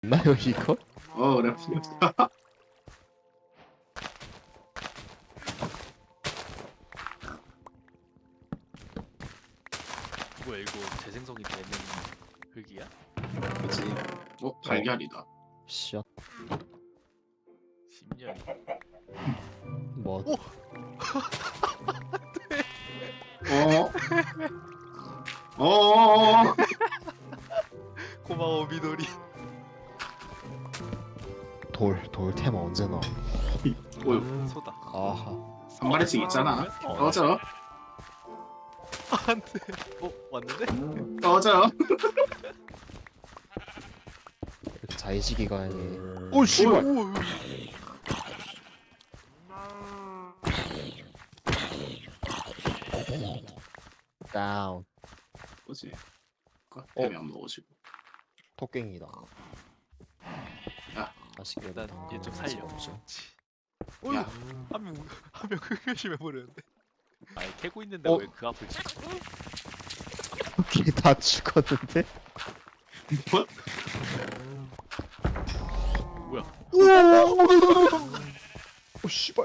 나요 이거? 그래. 뭐야 이거 재생성이 되는 흙이야? 그치. 달걀이다. 씨앗 10년. 뭐 오! 어? 어? 고마워 미도리. 돌 테마 언제 나와? 소다. 아하. 한 마리씩 있잖아. 꺼져. 안돼. 왔는데? 꺼져. 이렇게 자의식이가 아니. 오 씨발. 오, 다운. 뭐지? 템이 안 먹어지고. 토깽이다. 야. 아쉽게 일단 얘 좀 살려. 없죠. 어휴, 야. 한명 흑요심해 버렸는데. 아니 캐고 있는데 어? 왜 그 앞을 치? 토깽이 다 죽었는데? 뭐? 뭐야? 오 씨발.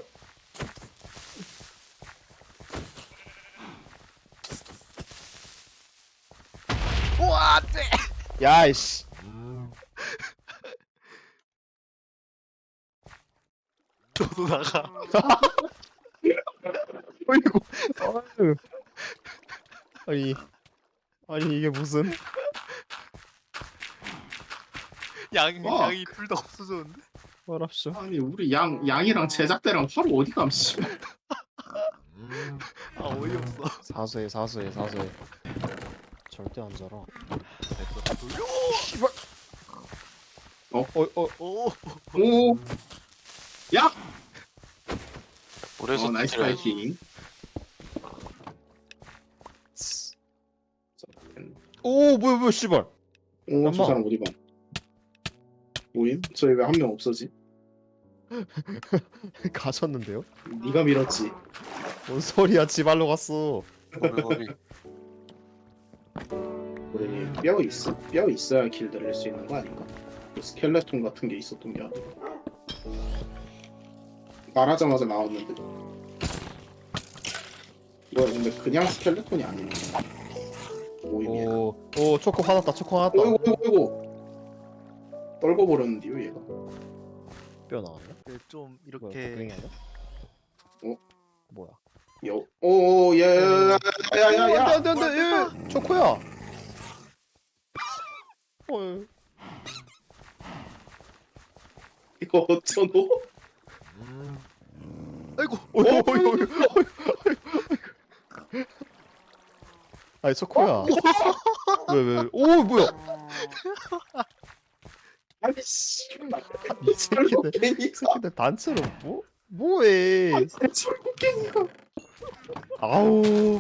우와 안돼. 야이씨. 너도 나가. 어이구. 아유. 아니 이게 무슨? 와. 양이 둘 다 없어졌는데? 말합쇼. 아니 우리 양이랑 제작대랑 하루 어디 감 씨발. 아 어이없어. 사소해. 절대 안 자라. 됐어 다 돌려. 씨발. 오. 오. 야. 그래서 나이스 파이팅. 오 뭐야 씨발. 저 엄마. 사람 어디 가? 모임? 저희 왜 한 명 없어지? 가셨는데요? 네가 밀었지. 뭔 소리야? 지발로 갔어. 거리 우리 뼈 있어? 뼈 있어야 길 들릴 수 있는 거 아닌가? 뭐 스켈레톤 같은 게 있었던 게 아니라. 말하자마자 나왔는데. 이거 근데 그냥 스켈레톤이 아니네. 모임이야. 오 초코 화났다. 어이구. 떨궈 버렸는데요 얘가. 뼈 나왔네. 좀 뭐야, 이렇게 토깽이 아니야? 어? 뭐야? 야야야야야야. 안돼 초코야. 이거 어쩌노? 아이고. 아니 초코야. 왜? 오 뭐야? 아니 씨. 이 새끼들 단체로 뭐해? 철국갱이가. 아우.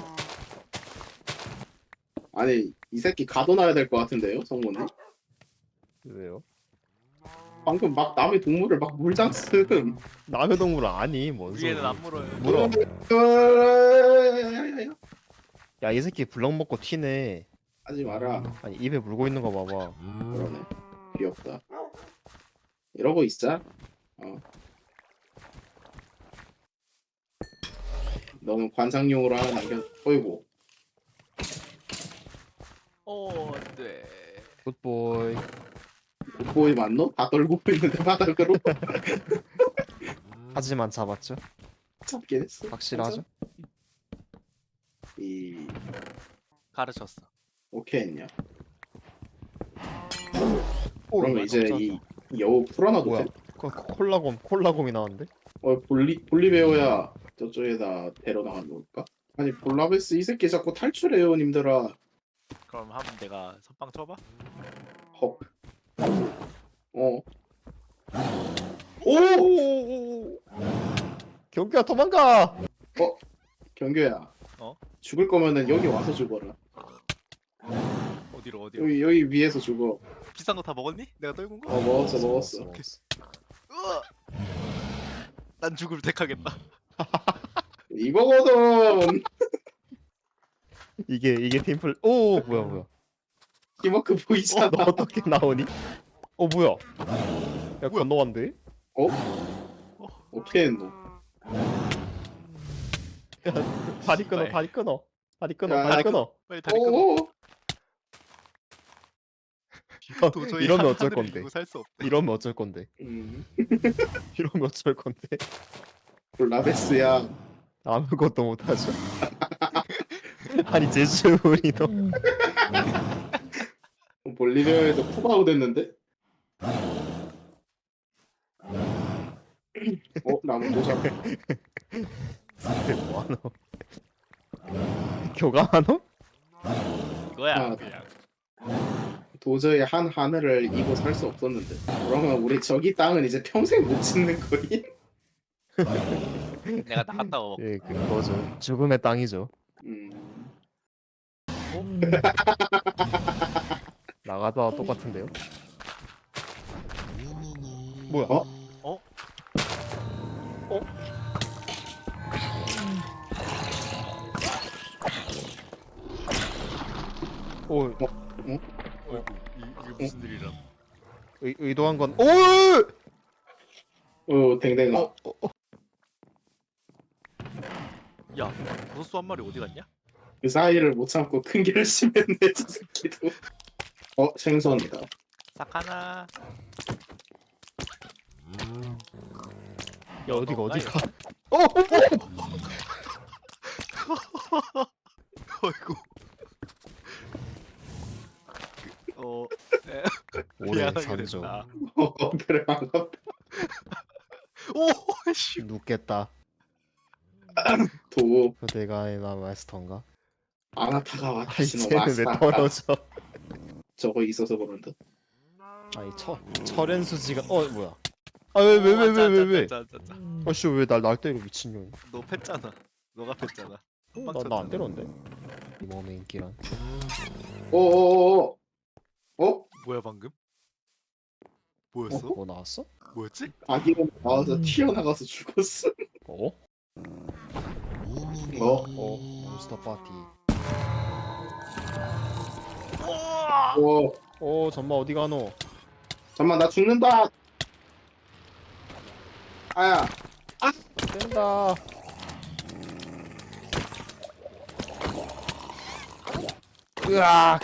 아니 이 새끼 가둬놔야 될 것 같은데요 성모님? 왜요? 방금 막 남의 동물을 막 물장 쓰음. 남의 동물 아니 뭔 소리? 위에는 안 물어요. 물어. 야야야야야. 야 이 새끼 블럭 먹고 튀네. 하지 마라. 아니 입에 물고 있는 거 봐봐. 그러네. 귀엽다. 이러고 있자. 너는 관상용으로 하나 남겨. 어이구. 안돼. 굿보이. 보이 맞노? 다 떨고 있는데 바닥으로 하지만 잡았죠? 잡긴 했어. 확실하죠? 이 가르쳤어. 오케이 했냐? 오, 그러면 이제 이 여우 풀어놔도 뭐야? 돼? 콜라곰이 나왔는데? 볼리베어야 저쪽에다 데려나가 놓을까? 아니 볼라베스 이 새끼 자꾸 탈출해요 님들아. 그럼 한번 내가 선빵 쳐봐. 헉. 오! 경규야 도망가! 경규야. 어? 죽을 거면은 여기 와서 죽어라. 어디로? 여기 위에서 죽어. 비싼 거 다 먹었니? 내가 떨군 거? 먹었어. 으아! 난 죽을 택하겠다. 이거거든. 이게 팀플. 오 뭐야? 팀워크 보이잖아. 너 어떻게 나오니? 뭐야? 야 뭐야? 건너간대? 어? 어떻게 했노? 야 다리 끊어 씨발. 다리 끊어 다리 끊어 야, 다리 끊어. 빨리 다리 끊어. 어? 도저히 이러면 어쩔 하늘을 건데? 이고 살 수 없대. 이러면 어쩔 건데? 음. 이러면 어쩔 건데? 볼라베스야. 아무것도 못하죠. 아니 제주우리도 볼리베오에도 푸바오 됐는데? 나무 도장. 뭐하노? 교감하노? 이거야 아, 그냥. 도저히 한 하늘을 이고 살 수 없었는데. 그러면 우리 저기 땅은 이제 평생 못 짓는 거임? 내가 나갔다 와. 예 그거죠. 죽음의 땅이죠. 나가다 똑같은데요? 뭐야? 어? 어? 오 어이구 이게 무슨 일이람? 의도한 건 오! 댕댕아. 야 버섯수 한 마리 어디 갔냐? 그 사이를 못 참고 큰 결심했네, 저 새끼도. 생선이다. 사카나. 야 어디가 어디가? 어이구. 오래 미안하게 산죠. 됐다. 그래, 반갑다. 오 씨. 눕겠다. 도, 그대가 마스터인가? 아나타가 아이 와타시노 쟤는 왜 마스터. 떨어져? 저거 있어서 그런다. 아니 철현수지가 뭐야? 아 왜? 짜짜짜짜. 아씨 왜 날 때려 미친년? 너 팼잖아. 너가 팼잖아. 나 안 때렸는데? 이 몸의 인기란. 어어어어. 뭐야 방금? 뭐였어? 뭐 나왔어? 뭐였지? 아기가 나와서 튀어나가서 죽었어. 어? 몬스터 파티. 전마 어디 가노? 잠만, 나 죽는다. 아야. 뗀다. 으악.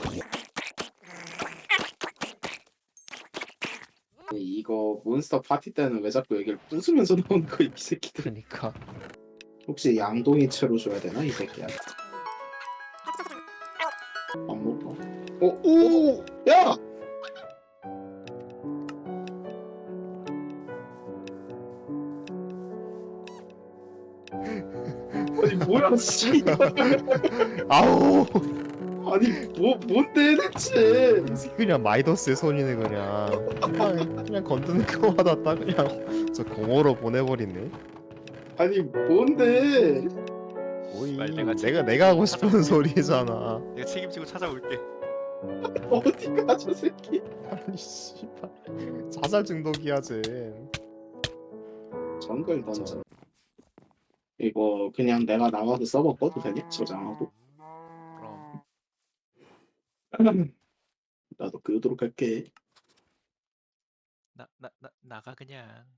이거 몬스터 파티 때는 왜 자꾸 여기를 부수면서 나오는 거야, 이 새끼들. 그러니까 혹시 양동이 채로 줘야 되나, 이 새끼야? 안 먹어. 오! 야! 아니 뭐야, 씨. 아우. 아니 뭔데 대체? 그냥 마이더스의 손이네 그냥 건드는 거마다 딱 그냥 저 공허로 보내버리네. 아니 뭔데? 오이 빨리 내가 내가 하고 싶은 소리잖아. 내가 책임지고 찾아올게. 어디가 저 새끼? 아니 씨발 자살 중독이야 쟤. 정글 던져. 이거 그냥 내가 나가서 서버 꺼도 되냐? 저장하고. 그럼 나도 그러도록 할게. 나가 그냥.